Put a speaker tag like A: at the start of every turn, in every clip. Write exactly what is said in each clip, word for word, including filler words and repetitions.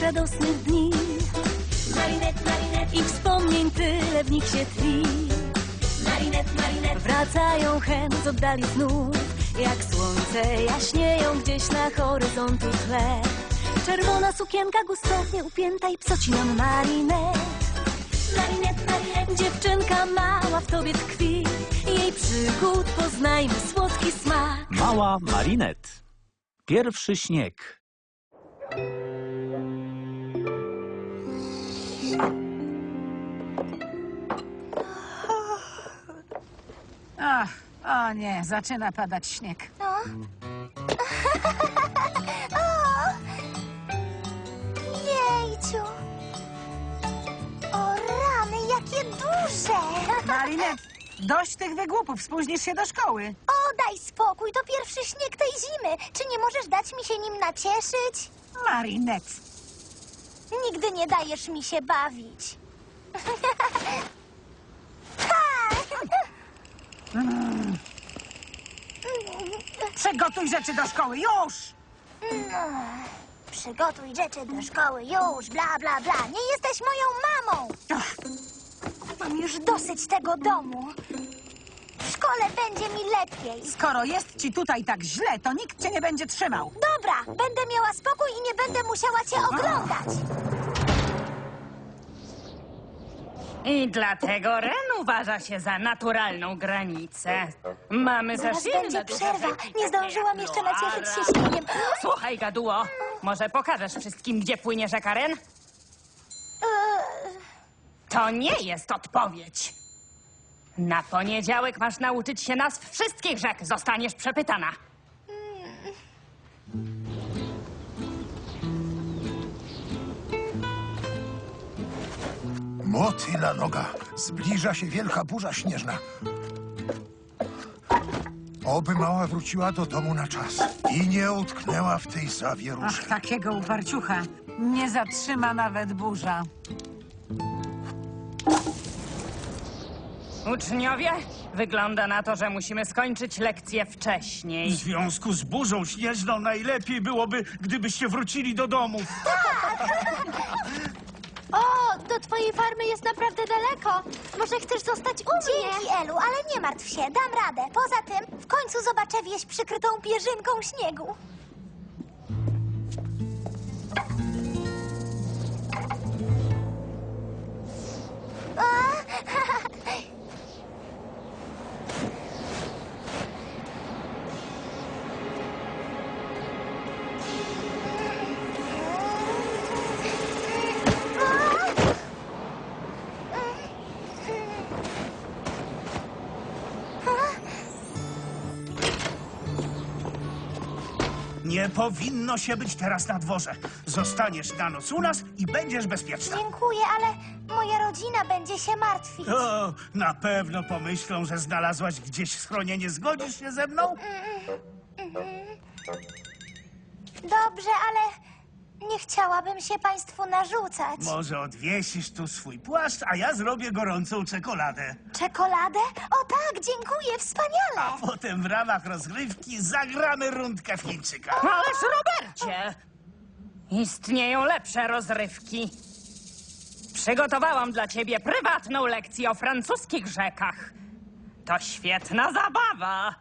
A: radosnych dni. Marinette, Marinette, i wspomnień tyle w nich się tli. Marinette, Marinette, wracają hen z oddali znów, jak słońce jaśnieją gdzieś na horyzontu tle. Czerwona sukienka gustownie upięta i psociną Marinette. Marinette, Marinette, dziewczynka mała w tobie tkwi, jej przygód poznajmy słodki smak.
B: Mała Marinette. Pierwszy śnieg.
C: Ach, o nie, zaczyna padać śnieg.
D: O. Jejciu. O rany, jakie duże.
C: Marinette, dość tych wygłupów, spóźnisz się do szkoły.
D: O, daj spokój, to pierwszy śnieg tej zimy. Czy nie możesz dać mi się nim nacieszyć?
C: Marinette.
D: Nigdy nie dajesz mi się bawić.
C: Mm. Przygotuj rzeczy do szkoły, już!
D: No, przygotuj rzeczy do szkoły, już, bla, bla, bla. Nie jesteś moją mamą.
C: Ach,
D: Mam już dosyć tego domu. W szkole będzie mi lepiej.
C: skoro jest ci tutaj tak źle, to nikt cię nie będzie trzymał.
D: Dobra, będę miała spokój i nie będę musiała cię oglądać.
E: I dlatego Ren uważa się za naturalną granicę. Mamy
D: Zaraz
E: za silne
D: będzie
E: duże
D: przerwa.
E: rzeki,
D: Nie
E: takie
D: zdążyłam
E: jak
D: jeszcze nacieszyć się
E: Loara.
D: śniegiem.
E: Słuchaj, gaduło, może pokażesz wszystkim, gdzie płynie rzeka Ren?
D: Eee,
E: To nie jest odpowiedź. Na poniedziałek masz nauczyć się nazw wszystkich rzek. Zostaniesz przepytana.
F: Motyla noga. Zbliża się wielka burza śnieżna. Oby mała wróciła do domu na czas i nie utknęła w tej zawieruszy.
C: Ach, takiego uparciucha. Nie zatrzyma nawet burza.
E: Uczniowie, wygląda na to, że musimy skończyć lekcję wcześniej.
G: W związku z burzą śnieżną najlepiej byłoby, gdybyście wrócili do domu.
D: O, do twojej farmy jest naprawdę daleko. Może chcesz zostać u mnie? Dzięki, Elu, ale nie martw się, dam radę. Poza tym, w końcu zobaczę wieś przykrytą pierzynką śniegu.
G: Nie powinno się być teraz na dworze. Zostaniesz na noc u nas i będziesz bezpieczna.
D: Dziękuję, ale moja rodzina będzie się martwić.
G: O, na pewno pomyślą, że znalazłaś gdzieś schronienie. Zgodzisz się ze mną?
D: Dobrze, ale nie chciałabym się państwu narzucać.
G: Może odwiesisz tu swój płaszcz, a ja zrobię gorącą czekoladę.
D: Czekoladę? O tak, dziękuję, wspaniale.
G: Potem w ramach rozgrywki zagramy rundkę w Chińczyka.
E: Ależ, Robercie! Istnieją lepsze rozrywki. Przygotowałam dla ciebie prywatną lekcję o francuskich rzekach. To świetna zabawa.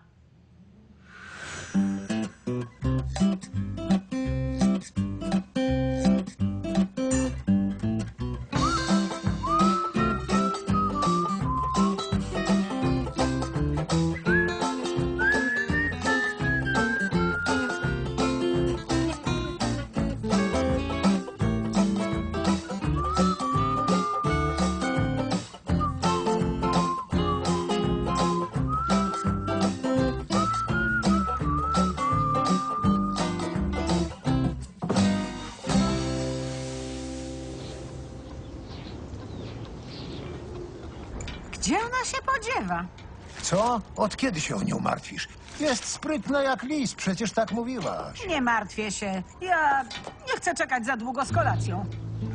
C: Gdzie ona się podziewa?
F: Co? Od kiedy się o nią martwisz? Jest sprytna jak lis, przecież tak mówiłaś.
C: Nie martwię się. Ja nie chcę czekać za długo z kolacją.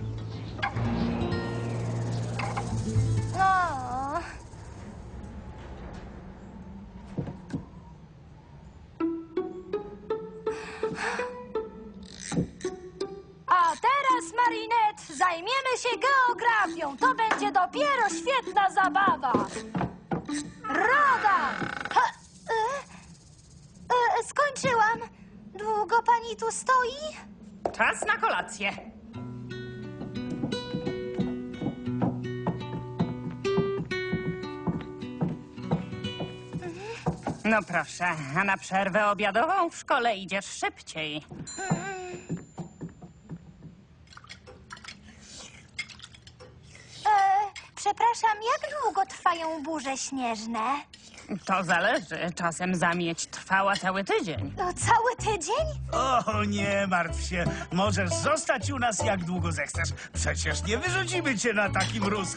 D: O.
A: A teraz
D: panią. To będzie dopiero świetna zabawa. Rada! Ha, e, e, skończyłam. Długo pani tu stoi?
E: Czas na kolację. No proszę, a na przerwę obiadową w szkole idziesz szybciej.
D: E, przepraszam, jak długo trwają burze śnieżne?
E: To zależy. Czasem zamieć trwała cały tydzień.
D: No, cały tydzień?
G: O, nie martw się. Możesz zostać u nas jak długo zechcesz. Przecież nie wyrzucimy cię na taki mróz.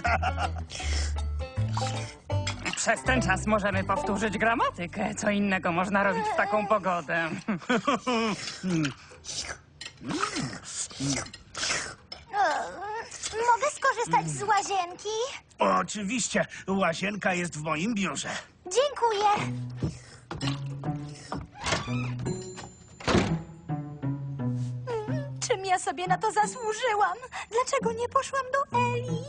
E: Przez ten czas możemy powtórzyć gramatykę. Co innego można robić w taką pogodę?
D: E, mogę skorzystać z łazienki?
G: Oczywiście. Łazienka jest w moim biurze.
D: Dziękuję. Mm, Czym ja sobie na to zasłużyłam? Dlaczego nie poszłam do Eli?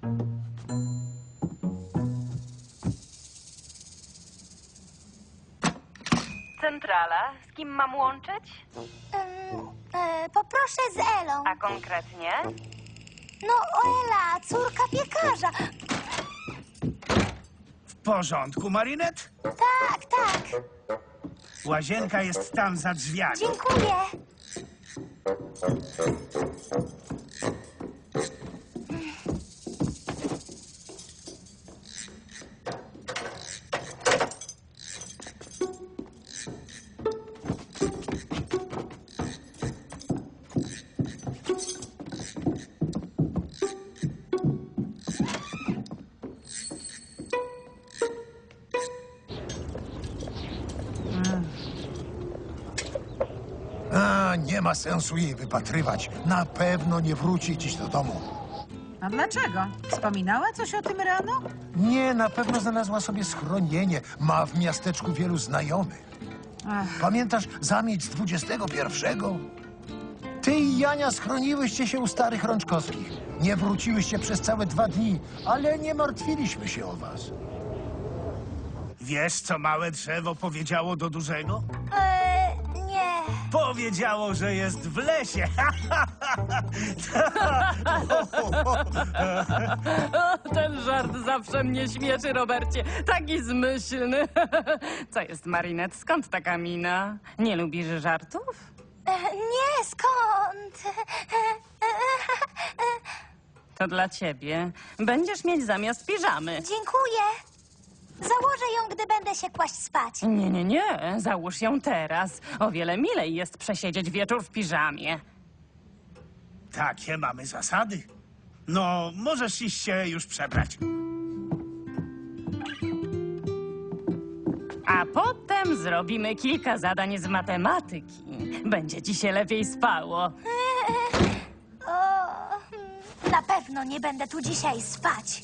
E: Centrala. Z kim mam łączyć?
D: Ym, e, poproszę z Elą.
E: A konkretnie?
D: No, Ela, córka piekarza.
G: W porządku, Marinette?
D: Tak, tak.
G: Łazienka jest tam za drzwiami.
D: Dziękuję.
F: A, nie ma sensu jej wypatrywać. Na pewno nie wróci dziś do domu.
C: A dlaczego? Wspominała coś o tym rano?
F: Nie, na pewno znalazła sobie schronienie. Ma w miasteczku wielu znajomych.
C: Ach,
F: Pamiętasz zamieć z dwudziestego pierwszego? Ty i Jania schroniłyście się u starych Rączkowskich. Nie wróciłyście przez całe dwa dni, ale nie martwiliśmy się o was.
G: Wiesz, co małe drzewo powiedziało do dużego?
D: E, nie.
G: Powiedziało, że jest w lesie.
E: Ten żart zawsze mnie śmieszy, Robercie. Taki zmyślny. Co jest, Marinette? Skąd taka mina? Nie lubisz żartów?
D: E, nie, skąd?
E: To dla ciebie. Będziesz mieć zamiast piżamy.
D: Dziękuję. Założę ją, gdy będę się kłaść spać.
E: Nie, nie, nie. Załóż ją teraz. O wiele milej jest przesiedzieć wieczór w piżamie.
G: Takie mamy zasady. No, możesz iść się już przebrać.
E: A potem zrobimy kilka zadań z matematyki. Będzie ci się lepiej spało.
D: O, na pewno nie będę tu dzisiaj spać.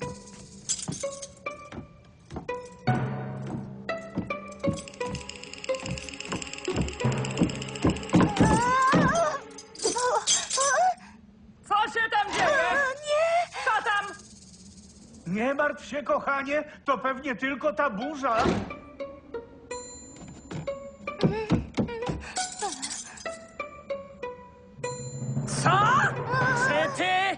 E: Co się tam dzieje?
D: Nie!
E: Co tam?
G: Nie martw się, kochanie. To pewnie tylko ta burza.
E: Co? Czy ty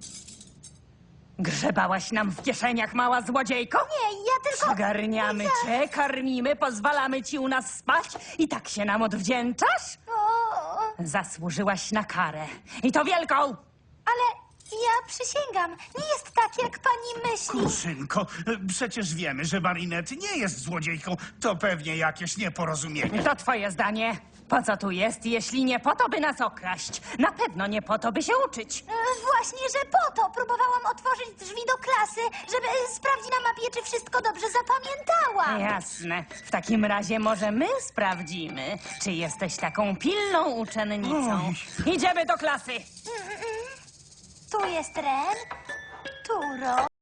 E: grzebałaś nam w kieszeniach, mała złodziejko?
D: Nie, ja tylko...
E: Przygarniamy cię, karmimy, pozwalamy ci u nas spać i tak się nam odwdzięczasz?
D: O,
E: Zasłużyłaś na karę. I to wielką!
D: ale ja przysięgam, nie jest tak, jak pani myśli.
G: Kruszynko, przecież wiemy, że Marinette nie jest złodziejką. To pewnie jakieś nieporozumienie.
E: To twoje zdanie. Po co tu jest, jeśli nie po to, by nas okraść? Na pewno nie po to, by się uczyć.
D: E, Właśnie, że po to próbowałam otworzyć drzwi do klasy, żeby e, sprawdzić na mapie, czy wszystko dobrze zapamiętałam.
E: Jasne. W takim razie może my sprawdzimy, czy jesteś taką pilną uczennicą. Idziemy do klasy.
D: Tu jest Ren, tu Ro.